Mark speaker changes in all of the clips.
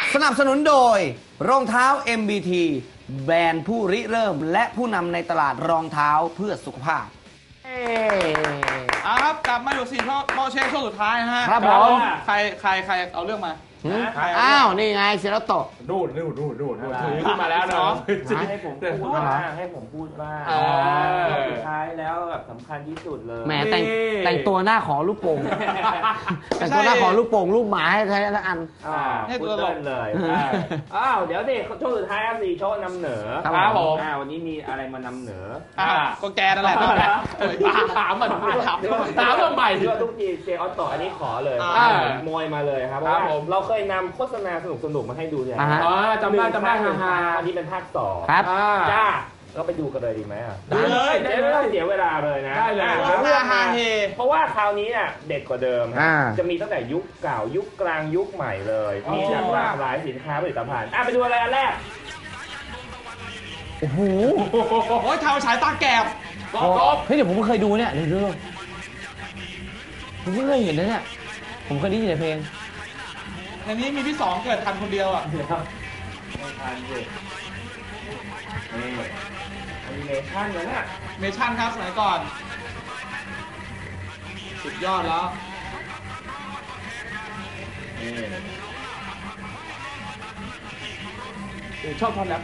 Speaker 1: สนับสนุนโดยรองเท้า MBT แบรนด์ผู้ริเริ่มและผู้นำในตลาดรองเท้าเพื่อสุขภาพ
Speaker 2: ครับกลับมาอยู่4ข้อเช็คช่วงสุดท้ายนะฮะ
Speaker 1: ครับผม
Speaker 2: ใครเอาเรื่องมา
Speaker 1: อ้าวนี่ไงเซราโตะ
Speaker 3: ดูดถือขึ้นมาแล้วเนาะ
Speaker 4: ให้ผมพูดบ้างสุดท้ายแล้วแบบสำคัญที่สุดเลย
Speaker 1: แหมแต่งตัวหน้าขอลูกโป่งแต่งตัวหน้าขอลูกโป่งลูกหมาให้ใช้ละอัน
Speaker 4: ให้ตัวเล่นเลยเดี๋ยวเด็กช่วงสุดท้ายสี่โชว์นำเหนือ
Speaker 1: ครับผม
Speaker 4: วันนี้มีอะไรมานำเหนือ
Speaker 2: ก็แกนั่นแหละถามมันใหม่
Speaker 4: ด้วยทุกทีเจออตต่ออันนี้ขอเลยมวยมาเลยครับเพราะว่าเราเคยนำโฆษณาสนุกมาให้ดูเนี่ย
Speaker 3: จำได้
Speaker 4: อันนี้เป็นภาค2
Speaker 1: ครับ
Speaker 4: จ้าก็ไปดูกันเลยดีไหมดูเลยไม่ต้องเสียเวลาเลยนะ
Speaker 2: ได้เลย
Speaker 4: เพราะว่าคราวนี้เนี่ยเด็ดกว่าเดิมจะมีตั้งแต่ยุคเก่ายุคกลางยุคใหม่เลยมีหลากหลายสินค้าผลิตภัณฑ์ไปดูอะไรอันแรก
Speaker 1: โอ้โห
Speaker 2: เท้าฉายตาแกบ
Speaker 1: เฮ้ยเดี๋ยวผมเคยดูเนี่ยเรื่องผมไม่เคยเห็นนะเนี่ยผมเคยได้ยินในเพลง
Speaker 2: ในนี้มีพี่สองเกิดทันคนเดียวอ่ะ
Speaker 4: ไม่ทันสิแอนิเมชั่นเลยนะ
Speaker 2: เมชั่นครับสมัยก่อนสุดยอดแล้วชอบท่อนแรป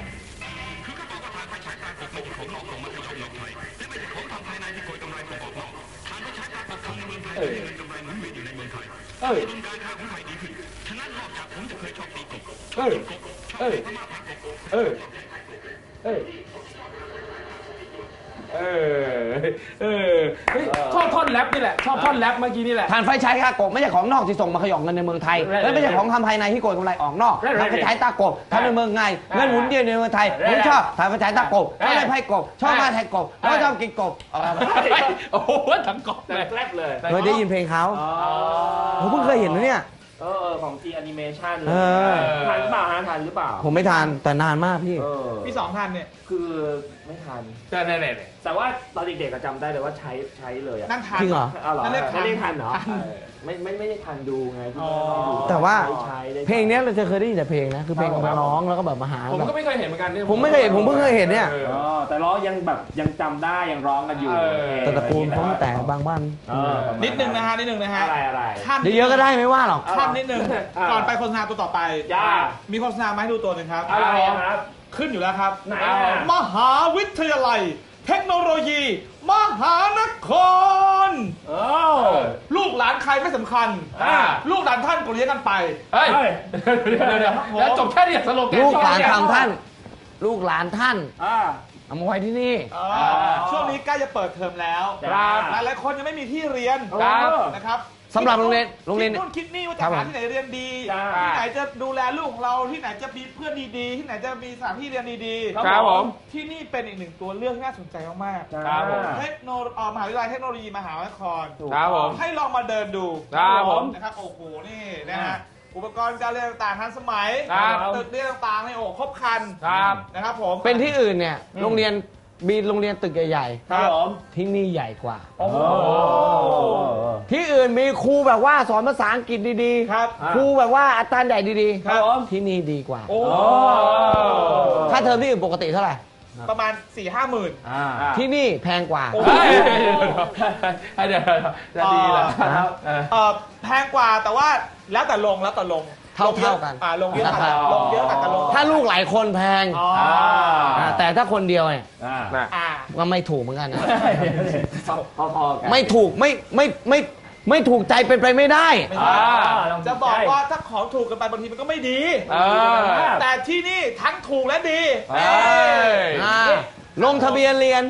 Speaker 3: ชอบท่อนแรปนี่แหละชอบท่อนแรปเมื่อกี้นี่แหละ
Speaker 1: ทานไฟใช้ค่ากบไม่ใช่ของนอกที่ส่งมาขย่องเงินในเมืองไทยและไม่ใช่ของทำภายในที่โกยกำไรออกนอกทานไฟใช้ตากบทำในเมืองไงเงินหมุนเวียนในเมืองไทยผมชอบทานไฟใช้ตากบไม่ได้ไพ่กบชอบมาแทงกบเพราะชอบกินกบ
Speaker 3: โอ้โหทั้งกบ
Speaker 4: แรกเลย
Speaker 1: เคยได้ยินเพลงเขาผมเพิ่งเคยเห็นนะเนี่ย
Speaker 4: ของจีแอนิเมชั่นทันหรือเปล่าทันหรือเปล่า
Speaker 1: ผมไม่ทันแต่นานมาก
Speaker 2: พี่สองทันเนี่ย
Speaker 4: คือไม่ทันแต่ว่าตอนเด็กๆจำได้เลยว่าใช้เลย
Speaker 2: นั่นทัน
Speaker 1: จริงเหรอ
Speaker 4: นั่นเรียกทันเหรอไม่ได้ทันดูไง
Speaker 1: แต่ว่าเพลงนี้เราจะเคยได้ยินแต่เพลงนะคือเพลงมาร้องแล้วก็แบบมาหา
Speaker 3: ผมก็ไม่เคยเห็นเหมือนกัน
Speaker 1: ผมไม่เคยเห็นผมเพิ่งเคยเห็นเนี่ย
Speaker 4: แต่ร้องยังจำได้ยังร้องกันอยู่
Speaker 1: แต่ตระกูลเขาแต่บางบ้าน
Speaker 2: นิดนึงนะฮะ
Speaker 4: อะไร
Speaker 1: ขั้นเยอะก็ได้ไม่ว่าหรอก
Speaker 2: ขั้นนิดนึงก่อนไปโฆษณาตัวต่อไปมีโฆษณามาให้ดูตัวหนึ่งครับ
Speaker 4: อะไรครับ
Speaker 2: ขึ้นอยู่แล้วครับมหาวิทยาลัยเทคโนโลยีมหานครลูกหลานใครไม่สำคัญลูกหลานท่านก็เลี้ยงกันไป
Speaker 3: แล้วจบแค่นี้สโลแกน
Speaker 1: ลูกหลานทำท่านลูกหลานท่านเอามาไว้ที่นี่
Speaker 2: ช่วงนี้ใกล้จะเปิดเทอมแล้วหลายคนยังไม่มีที่เรียนนะครับ
Speaker 1: สำหรับโรงเรียน
Speaker 2: นู่นคิดนี่ว่าจะหาที่ไหนเรียนดีที่ไหนจะดูแลลูกของเราที่ไหนจะมีเพื่อนดีๆที่ไหนจะมีสถานที่เรียนดี
Speaker 3: ๆครับผม
Speaker 2: ที่นี่เป็นอีกหนึ่งตัวเลือกที่น่าสนใจมาก
Speaker 3: ๆครับผม
Speaker 2: มหาวิทยาลัยเทคโนโลยีมหานคร
Speaker 3: ครับผม
Speaker 2: ให้ลองมาเดินดู
Speaker 3: ครับผม
Speaker 2: นะครับโอ้โหนี่นะฮะอุปกรณ์การเรียนต่างๆทันสมัยตึกเรียนต่างๆในครบครันนะครับผม
Speaker 1: เป็นที่อื่นเนี่ยโรงเรียนมีโรงเรียนตึกใหญ่
Speaker 2: ๆครับ
Speaker 1: ที่นี่ใหญ่กว่าที่อื่นมีครูแบบว่าสอนภาษาอังกฤษดีๆ
Speaker 2: ครับ
Speaker 1: ครูแบบว่าอาจารย์ใหญ่ดีๆที่นี่ดีกว่าค่าเทอมที่อื่นปกติเท่าไหร่
Speaker 2: ประมาณ 4-5 หมื่น
Speaker 1: ที่นี่แพงกว่า
Speaker 3: เดี๋ยวจะดีแล้ว
Speaker 2: แพงกว่าแต่ว่าแล้วแต่ลง
Speaker 1: เท่ากัน
Speaker 2: ลงเยอะกันลง
Speaker 1: ถ้าลูกหลายคนแพงแต่ถ้าคนเดียวเนี่ยก็ไม่ถูกเหมือนกันนะไม่ถูกไม่ถูกใจเป็นไปไม่ได้
Speaker 2: จะบอกว่าถ้าของถูกกันไปบางทีมันก็ไม่ดีแต่ที่นี่ทั้งถูกและดี
Speaker 1: ลงทะเบียนเรียน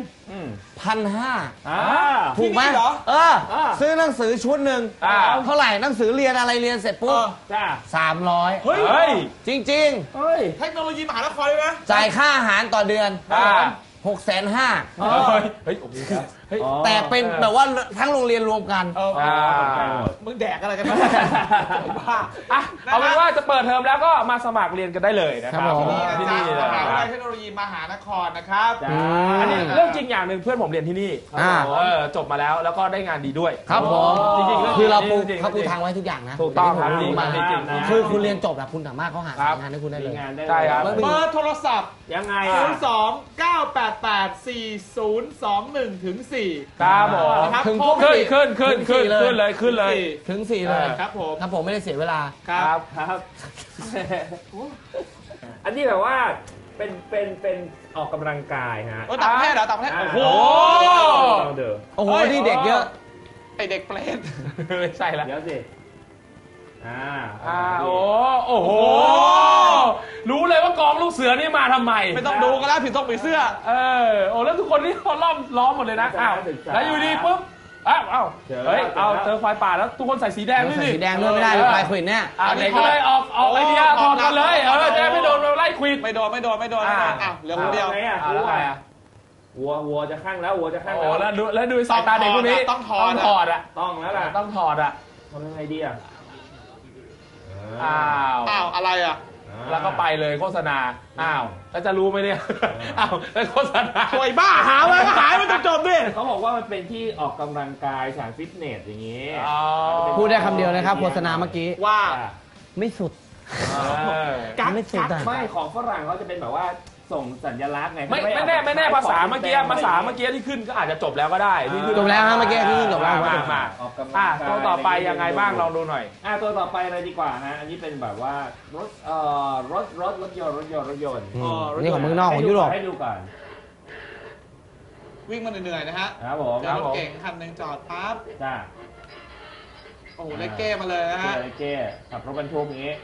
Speaker 1: 1,500ถูกไหมซื้อหนังสือชุดหนึ่งเท่าไหร่หนังสือเรียนอะไรเรียนเสร็จปุ๊บ300
Speaker 2: เฮ้ย
Speaker 1: จริง
Speaker 2: เทคโนโลยีมหานครเลยนะ
Speaker 1: จ่ายค่าอาหารต่อเดือน650,000
Speaker 3: เฮ้ยโอ้โห
Speaker 1: แต่เป็นแบบว่าทั้งโรงเรียนรวมกัน
Speaker 2: มึงแดกอะไรกัน
Speaker 3: เอาเป็นว่าจะเปิดเทอมแล้วก็มาสมัครเรียนกันได้เลยนะครับ
Speaker 2: ที่นี่นะจ๊ะมหาวิทยาลัยเทคโนโลยีมหานครนะครับ
Speaker 4: จ้า
Speaker 3: อันนี้เรื่องจริงอย่างหนึ่งเพื่อนผมเรียนที่นี่จบมาแล้วแล้วก็ได้งานดีด้วย
Speaker 1: ครับผม
Speaker 3: จริงๆ
Speaker 1: คือเราปู
Speaker 3: จงๆ
Speaker 1: เขาปูทางไว้ทุกอย่างนะ
Speaker 3: ถูกต้องครับ
Speaker 1: ที่ผมรู้มา
Speaker 3: จริงๆ
Speaker 1: คือคุณเรียนจบแล้วคุณสามารถเขาหางานให้คุณได้เลย
Speaker 4: มีงานได้
Speaker 3: ใช่ครับ
Speaker 4: เลย
Speaker 2: เบอร์โทรศัพท์
Speaker 4: ยังไง
Speaker 2: 02-988-4021ถึง4
Speaker 3: ครับผม
Speaker 2: นะครับ
Speaker 1: ถึง
Speaker 2: โทร
Speaker 3: ขึ้นเลยขึ้นเลย
Speaker 1: ถึง4เลย
Speaker 2: ครับผม
Speaker 1: ครับผมไม่ได้เสียเวลา
Speaker 2: ครับ
Speaker 4: ครับ อันนี้แบบว่าเป็นออกกำลังกายฮะ
Speaker 2: ต่างประเทศเหรอต่างประเทศ โอ้โห
Speaker 4: ต้องเดิน
Speaker 1: โอ้โห
Speaker 2: เฮ้ย
Speaker 1: นี่เด็กเยอะ
Speaker 2: ไอเด็กเปรต
Speaker 3: ไม่ใช่ละ
Speaker 4: เดี๋ยวสิ
Speaker 3: โอ้โห รู้เลยว่ากองลูกเสือนี่มาทำไม
Speaker 2: ไม่ต้องดูก็แล้วผิดต้องผีเสื้อ
Speaker 3: แล้วทุกคนนี่เขาล้อมหมดเลยนะอ้าวแล้วอยู่ดีปุ๊บอ้าวเฮ้ยเจอไฟป่าแล้วทุกคนใส่สีแดงด้วย
Speaker 1: ใส่
Speaker 3: สิ
Speaker 1: สีแดงด้วยไม่ได้เลยไฟควินเนี่ย
Speaker 3: เด็กก็เลยออกไอเดียถอดกันเลยจะได้ไม่โดนไล่ควิด
Speaker 2: ไม่โดนอ้าวเหลือคนเดียว
Speaker 4: ไงอ่ะ
Speaker 3: แล้วไงอ่ะ
Speaker 4: วัวจะข้างแล้ววัวจะข้าง
Speaker 3: โอ้
Speaker 4: แล้ว
Speaker 3: แล้วดูสายตาเด็กพวกนี้
Speaker 2: ต้องถอด
Speaker 3: ต้องถอดอ่ะ
Speaker 4: ต้องแล้วล่ะ
Speaker 3: ต้องถอดอ่ะ
Speaker 4: ทำยังไงดีอ่ะ
Speaker 3: อ้าว
Speaker 2: อ้าวอะไรอ่ะ
Speaker 3: แล้วก็ไปเลยโฆษณาอ้าวแล้วจะรู้ไหมเนี่ยอ้าวแล้วโฆษณา
Speaker 2: สวยบ้าหามาหายมันจบดิ
Speaker 4: เขาบอกว่ามันเป็นที่ออกกำลังกายสถานฟิตเนสอย่างนี้
Speaker 1: พูดได้คำเดียวนะครับโฆษณาเมื่อกี้
Speaker 2: ว่า
Speaker 1: ไม่สุด
Speaker 2: กั๊ก
Speaker 1: ไม่สุดอ่ะ
Speaker 4: ไม่ของฝรั่งเขาจะเป็นแบบว่าส่งสัญลักษณ์ไง
Speaker 3: ไม่แน่ภาษาเมื่อกี้ที่ขึ้นก็อาจจะจบแล้วก็ได้ที่ขึ้น
Speaker 1: จบแล้วฮะเมื่อกี้ที่จบแล้ว
Speaker 3: มา
Speaker 4: ออกกำลังกาย
Speaker 3: ตัวต่อไปยังไงบ้างลองดูหน่อย
Speaker 4: ตัวต่อไปเลยดีกว่าฮะอันนี้เป็นแบบว่ารถยนต์
Speaker 1: นี่ของเมืองนอกของยุโรป
Speaker 4: ให้ดูก่อน
Speaker 2: วิ่งมาเหนื่อยๆนะฮะ
Speaker 4: ครับผม
Speaker 2: เจอรถเก๋งคันหนึ่งจอดปั๊บ
Speaker 4: จ้า
Speaker 2: โอ้โหเลขเก้มาเลยนะฮะ
Speaker 4: เก้ขับรถบรรทุกอย่างนี้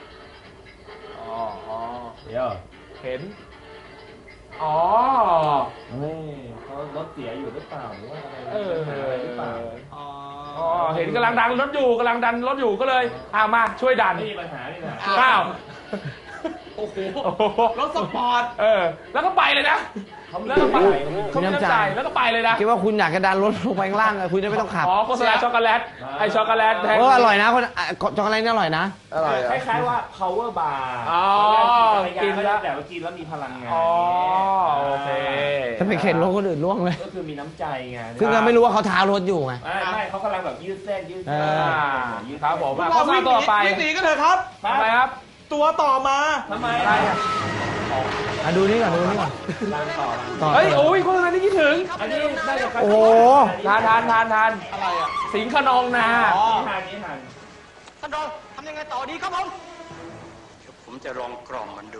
Speaker 4: เดี๋ยว
Speaker 3: เห็นอ๋อ
Speaker 4: เฮ้ยเขารถเสียอยู่หรือเปล่าหรือว่าอะไรหรือเปล่า
Speaker 2: อ๋อ
Speaker 3: เห็นกำลังดันรถอยู่ก็เลยมาช่วยดัน
Speaker 4: ไม่มีปัญหานี่นะ
Speaker 3: อ้าว
Speaker 2: โอ้โหรถสปอร์ต
Speaker 3: แล้วก็ไปเลยนะแล้วก็ไปเขามีน้ำใจแล้วก็ไปเลยนะ
Speaker 1: คิดว่าคุณอยากจะดันรถลงไปข้างล่างคุณจะไม่ต้องขับ
Speaker 3: โฆษณาช็อกโกแลตไอช็อกโกแลตแทน
Speaker 1: อร่อยนะคนช็อกโกแลตนี่อร่อยนะ
Speaker 4: คล้ายๆว่า power bar กินแล้วแต่ว่ากินแล้วมีพลังงาน
Speaker 3: โอเค
Speaker 1: จะไปเข็นรถคนอื่นล่วงเลย
Speaker 4: ก็คือมีน้ำใจไง
Speaker 1: ซึ่งเราไม่รู้ว่าเขาท้ารถอยู่ไง
Speaker 4: ไม่เขากำลังแบบยืดเส้นยืดเส้น
Speaker 3: ครับผม
Speaker 2: เรา
Speaker 3: โฆษณา
Speaker 2: วิ่ง
Speaker 3: ต่อไป
Speaker 2: หนีกันเถอะครับ
Speaker 3: ทำไมครับ
Speaker 2: ตัวต่อมา
Speaker 4: ทำไม
Speaker 3: อะไรอ่ะ
Speaker 1: ดูนี่ก่อน
Speaker 4: ลางต่อ
Speaker 3: เฮ้ยโอ้ยโฆษณาที่คิดถึง
Speaker 4: อันนี้ได้จาก
Speaker 1: โอ้โห
Speaker 3: ทาน
Speaker 2: อะไรอ่ะ
Speaker 3: สิงห์ขนองนา
Speaker 4: นี้ทัน
Speaker 2: ท่านรองทำยังไงต่อดีครับผม
Speaker 5: ผมจะลองกล่อมมันดู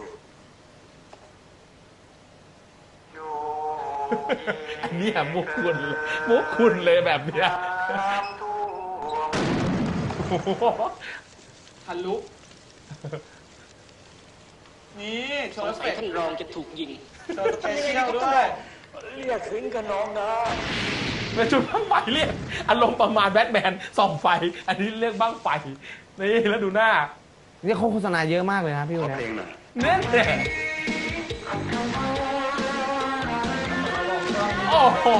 Speaker 3: อันนี้มุกคุณเลยแบบเนี้ย
Speaker 2: ทะลุนี่โชว์สเปค
Speaker 5: ท่านรองจะถูกยิง
Speaker 2: โชว์สเปเชียลด้วย
Speaker 5: เรียกถึงกับน้องนะ
Speaker 3: เป็นจุดบ้างไฟเรียกอารมณ์ประมาณแบทแมนส่องไฟ อันนี้เรียกบ้างไฟนี่แล้วดูหน้า
Speaker 1: นี่เขาโฆษณาเยอะมากเลยนะพี่คน
Speaker 5: เพล
Speaker 1: นี้
Speaker 5: งหน่อย
Speaker 3: เนี่ยโอ้โห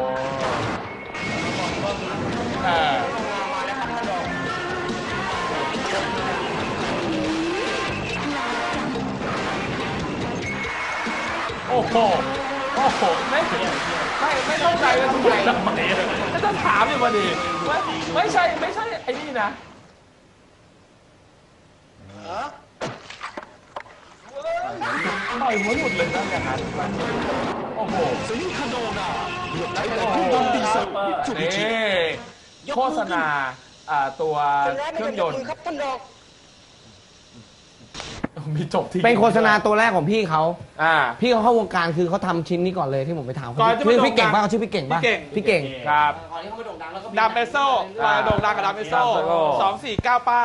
Speaker 3: โอ้โหไม่ต้องใจเลยทำไมไม่ต้องถามอยู่พอดีไม่ใช่ไอ้นี่นะต่อยหัวหลุดเลยนะอย่างนั้นโอ้โหนี่โฆษณาตัวเครื่องยนต์มีจบที่
Speaker 1: เป็นโฆษณาตัวแรกของพี่เขา
Speaker 3: พี่
Speaker 1: เขาเข้าวงการคือเขาทำชิ้นนี้ก่อนเลยที่ผมไปถาม
Speaker 2: ก่อนจะ
Speaker 1: ชื่อ
Speaker 2: มา
Speaker 1: พี่เก่ง
Speaker 2: โด่งดัง
Speaker 1: ป่ะเขาชื่อพี่เก่งป่ะ
Speaker 2: พี่เก่ง
Speaker 3: ครับ
Speaker 2: ดามเอโซ่มาโด่งดังกับดามเอโซ่249เป้า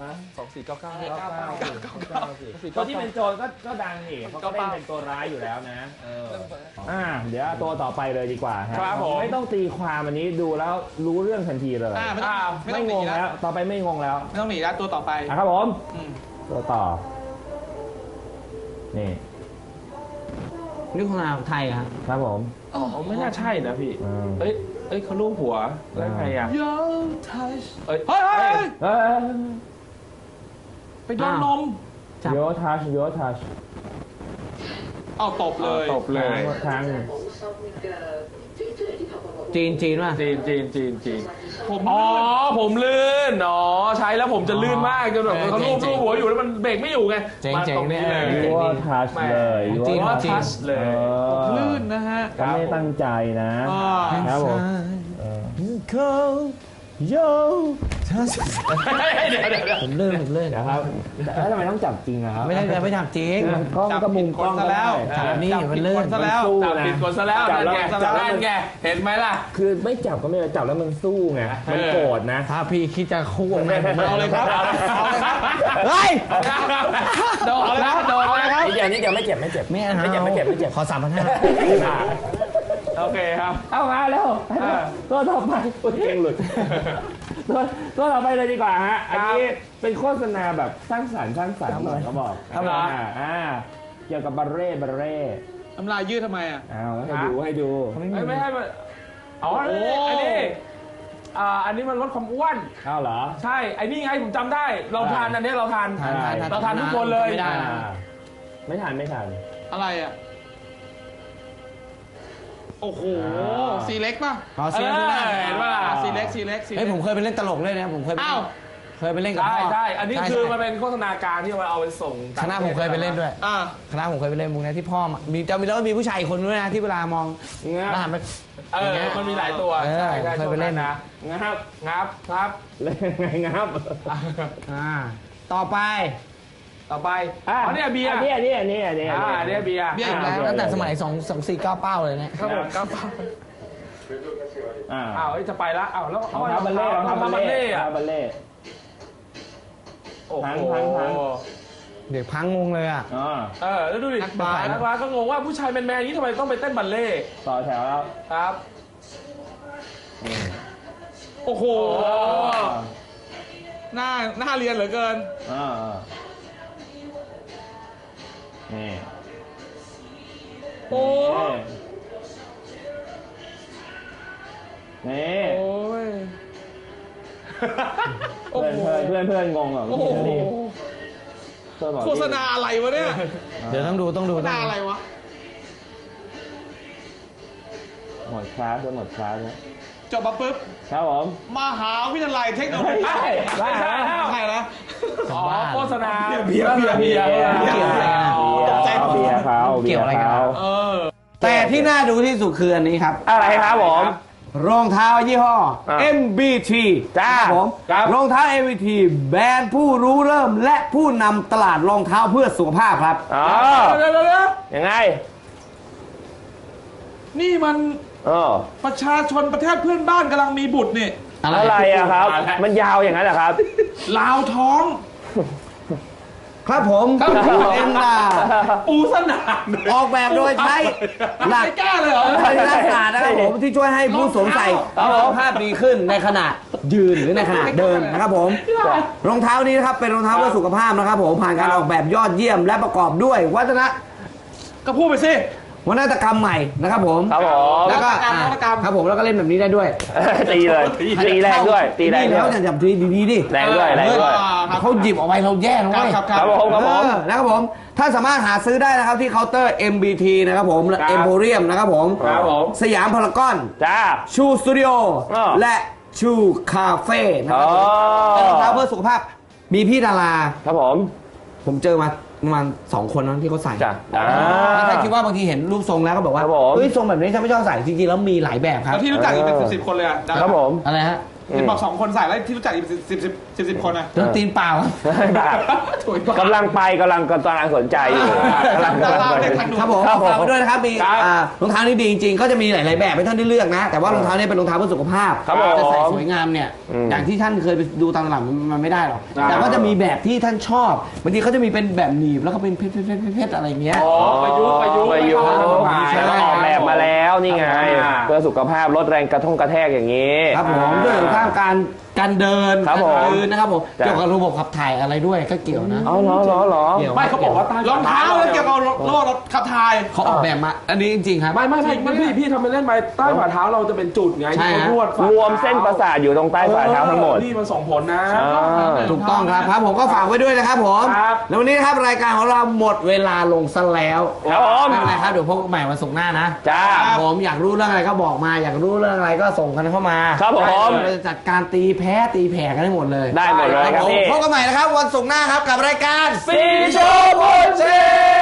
Speaker 4: ตัวที่เป็นโจรก็ดังนี่เขาก็เล่นเป็นตัวร้ายอยู่แล้วนะเดี๋ยวตัวต่อไปเลยดีกว่าครับไม่ต้องตีความอันนี้ดูแล้วรู้เรื่องทันทีเลย
Speaker 2: ไม่ต้องหนี
Speaker 4: งง
Speaker 2: แล้
Speaker 4: แล้ว วต่อไปไม่งงแล้ว
Speaker 2: ไม่ต้องหนีแล้วตัวต่อไป
Speaker 4: ครับผมตัวต่อนี่
Speaker 1: นี่โฆษณาไทยครับ
Speaker 4: ครับผม
Speaker 3: ไม่น่าใช่นะพี่เอ้ยเขาลูบหัวแล้วไงอ่ะเฮ้ย
Speaker 2: ไปโดนนม
Speaker 1: จับ
Speaker 4: โยทัช
Speaker 2: เอาตบเลย
Speaker 3: ตบเลย
Speaker 4: ครั้ง
Speaker 1: จีนป่ะ
Speaker 3: จีนอ๋อผมลื่นอ๋อใช้แล้วผมจะลื่นมากจนแบบเขาลูบหัวอยู่แล้วมันเบรกไม่อยู่ไงมาตรงนี้เลย
Speaker 4: ยูว่าทัชเลยยู
Speaker 3: จริง
Speaker 4: ว่า
Speaker 3: ทัชเลย
Speaker 2: ลื่นนะฮะ
Speaker 4: ก็ไม่ตั้งใจนะครับผมโย
Speaker 3: เดี๋ยว
Speaker 1: ผมเลื่อน
Speaker 4: นะครับแล้วทำไมต้องจับจริงอะครับ
Speaker 1: ไม่ได้ไม่ทำจริง
Speaker 4: กล้องก็มุมกล้อง
Speaker 2: ซะแล้ว
Speaker 1: จับนี่มันเลื่อน
Speaker 2: ซะแล้ว
Speaker 3: จับผิดกฎซะแล้วนั่นไงเห็นไหมล่ะ
Speaker 4: คือไม่จับก็ไม่ได้จับแล้วมันสู้ไงมันโกรธนะ
Speaker 1: ถ้าพี่คิดจะคู่กับผม
Speaker 2: เอาเลยครับเอาเลยครับ
Speaker 1: เฮ้ย
Speaker 3: โดนแล้ว
Speaker 4: นิดเดียวไม่เจ็บ
Speaker 1: ไม่เอา
Speaker 4: ไม่เจ็บ
Speaker 1: ขอ3,500
Speaker 3: โอเคครับ
Speaker 4: เอามาแล้วตัวต่อไปเก่งหลุดตัวต่อไปเลยดีกว่าฮะอันนี้เป็นโฆษณาแบบสร้างสรรค์หน่อยเขาบอกเกี่ยวกับบัลเร่
Speaker 2: น้ำลายยืดทำไมอ่ะ
Speaker 4: เอาให้ดู
Speaker 3: ไม่ให้อ๋ออันนี้มันลดความอ้วน
Speaker 4: เอาเหรอ
Speaker 3: ใช่ไอ้นี่ไงผมจำได้เราทานอันนี้เราทานทุกคนเลย
Speaker 4: ไม่ทัน
Speaker 2: อะไรอ่ะ โอ้โหสีเล็กป่ะ
Speaker 1: ขอเสียงด้วยนะ
Speaker 3: เห็นป่ะ
Speaker 2: สีเล็ก
Speaker 1: เฮ้ยผมเคยไปเล่นตลกด้วยนะผมเคยไป
Speaker 2: อ้าว
Speaker 1: เล่นกับพ่อ
Speaker 3: ใช่อันนี้คือมันเป็นโฆษณาการที่เราเอาไปส่ง
Speaker 1: คณะผมเคยไปเล่นด้วย คณะผมเคยไปเล่นมุกนี้ที่พ่อมีแล้วมีผู้ชายอีกคนด้วยนะที่เวลามองแล้วหันไป
Speaker 3: มันมีหลายตัวเคยไปเล่นนะงับ
Speaker 4: เล่นไงงับ
Speaker 1: ต่อไป
Speaker 3: อ๋อเนี่ยเบียร์
Speaker 4: เนี่ยเบียร์
Speaker 2: เบียร์อีกแล้ว
Speaker 1: ตั้งแต่สมัย2-4-9 เป้าเลยเนี่ย
Speaker 3: ก็จะไปละแล้ว
Speaker 4: รองเท้าบัลเล่
Speaker 3: โอ้โห
Speaker 1: เด็กพังงงเลยอ่ะ
Speaker 3: แล้วดูดินักบาสก็งงว่าผู้ชายแมนๆนี้ทำไมต้องไปเต้นบัลเล่
Speaker 4: ต่อแถวแล้ว
Speaker 3: ครับโอ้โห
Speaker 2: หน้าเรียนเหลือเกิน
Speaker 4: นี่
Speaker 3: โอ้
Speaker 4: นี่
Speaker 3: โอ้ย
Speaker 4: เพื่อนงงเหรอ
Speaker 2: โฆษณาอะไรวะเนี่ย
Speaker 1: เดี๋ยวต้องดู
Speaker 2: โฆษณาอะไรวะ
Speaker 4: หมดคลาสแล้ว
Speaker 2: จบมาปุ๊บ
Speaker 4: ครับผม
Speaker 2: มหาวิทยาลัยเทคโนโลยี
Speaker 3: ใช่
Speaker 2: นะ
Speaker 3: โฆษณาเบียร์
Speaker 1: เกี่ยวอะไรกันแต่ที่น่าดูที่สุดคืออันนี้ครับ
Speaker 4: อะไรครับผม
Speaker 1: รองเท้ายี่ห้อ MBT
Speaker 4: จ้า
Speaker 1: ผมรองเท้า MBT แบรนด์ผู้รู้เริ่มและผู้นำตลาดรองเท้าเพื่อสุขภาพครับ
Speaker 4: ยังไง
Speaker 2: นี่มันประชาชนประเทศเพื่อนบ้านกำลังมีบุตรนี่
Speaker 4: อะไรอะครับมันยาวอย่างนั้นเหรอครับ
Speaker 2: ลาวท้อง
Speaker 1: ครับผมเอ็นดา
Speaker 2: ปูสนาม
Speaker 1: ออกแบบโดยใช้
Speaker 2: หลักแก้เลยเหรอ
Speaker 1: ใช้หน้ากากนะครับผมที่ช่วยให้ผู้สวมใส่สุขภาพดีขึ้นในขณะยืนหรือในขณะเดินนะครับผมรองเท้านี้นะครับเป็นรองเท้าเพื่อสุขภาพนะครับผมผ่านการออกแบบยอดเยี่ยมและประกอบด้วยวัฒน
Speaker 2: ก็พูดไปสิ
Speaker 1: วัฒนกรรมใหม่นะครับผมแล้วก็ครับผมแล้วก็เล่นแบบนี้ได้ด้วย
Speaker 4: ตีเลยตีแรงด้วยตีแรง
Speaker 1: แล้วอย่าจับทีดีๆดิ
Speaker 4: แรงด้วย
Speaker 1: เขาหยิบออกไปเราแย่นะเว้ย
Speaker 4: ครับผม
Speaker 1: นะครับผมถ้าสามารถหาซื้อได้นะครับที่เคาน์เตอร์ MBT นะครับผมเอ็มโพเรียมนะครับผมสยามพารากอนชูสตูดิโอและชูคาเฟ่นะครับเป็นรองเท้าเพื่อสุขภาพมีพี่ดารา
Speaker 4: ครับ
Speaker 1: ผมเจอมาประมาณ2 คนนั้นที่เขาใส่ถ้าคิดว่าบางทีเห็นรูปทรงแล้วก็บอกว่าเฮ้ยทรงแบบนี้ฉันไม่ชอบใส่จริงๆแล้วมีหลายแบบครับ
Speaker 2: แล้วที่รู้จักอีกเป็น10 คนเลยอ่ะ
Speaker 4: ครับผม
Speaker 1: อะไรฮะ
Speaker 2: เห็นบอก2 คนใส่แล้วที่รู้จักอีก10 คนอ่ะ
Speaker 1: ตีนเปล่าก
Speaker 4: ำลังสนใจอยู่
Speaker 1: ครับผมฝากไปด้วยนะครับมีรองเท้านี้ดีจริงๆก็จะมีหลายๆแบบให้ท่านได้เลือกนะแต่ว่ารองเท้านี้เป็นรองเท้าเพื่อสุขภาพจะใส่สวยงามเนี่ยอย่างที่ท่านเคยไปดูตามตลาดมันไม่ได้หรอกแต่ก็จะมีแบบที่ท่านชอบบางทีเขาจะมีเป็นแบบหนีบแล้วก็เป็นเพชรอะไรเงี้ย
Speaker 3: ประยุกต์
Speaker 4: ออกแบบมาแล้วนี่ไงเพื่อสุขภาพลดแรงกระแทกอย่างนี้
Speaker 1: ครับผมด้วยข้างการการเดิน
Speaker 4: ครับผม
Speaker 1: การยืนนะครับผม
Speaker 4: จ้ะ
Speaker 1: เกี่ยวกับระบบขับถ่ายอะไรด้วยก็เกี่ยวนะ
Speaker 4: เอาเหรอ
Speaker 1: เกี่ยว
Speaker 3: ไม่เขาบอกว่าใต้
Speaker 2: รองเท้าแล้วเกี่ยวกับโรคขับถ่าย
Speaker 1: เขาออกแบบมาอันนี้จริงๆครับ
Speaker 3: ไม่พี่ทำไปเล่นไปใต้ฝ่าเท้าเราจะเป็นจุดไง
Speaker 1: ใช่
Speaker 3: ที่
Speaker 1: ฮะ
Speaker 3: เขานวดฝ่าร
Speaker 4: วมเส้นประสาทอยู่ตรงใต้ฝ่าเท้าทั้งหมด
Speaker 3: นี่มันส่งผลนะ
Speaker 1: ถูกต้องครับผมก็ฝากไว้ด้วยนะครับผม
Speaker 3: ครับ
Speaker 1: แล้ววันนี้นะครับรายการของเราหมดเวลาลงซะแล้ว
Speaker 4: ครับผม
Speaker 1: ไม่เป็นไรครับเดี๋ยวพบกันใหม่วันศุกร์หน้านะ
Speaker 4: จ้า
Speaker 1: ผมอยากรู้เรื่องอะไรก็บอกมาอยากรู้เรื่องอะไรก็ส่งกันเข้ามา
Speaker 4: ครับผม
Speaker 1: เราจะจัดการตีแพ้ตีแผ่กันให้หมดเลย
Speaker 4: ได้หมดเลยครับ
Speaker 1: ผม
Speaker 4: พี่
Speaker 1: พบกันใหม่นะครับวันศุกร์หน้าครับกับรายการ
Speaker 4: สีโชว์โบเช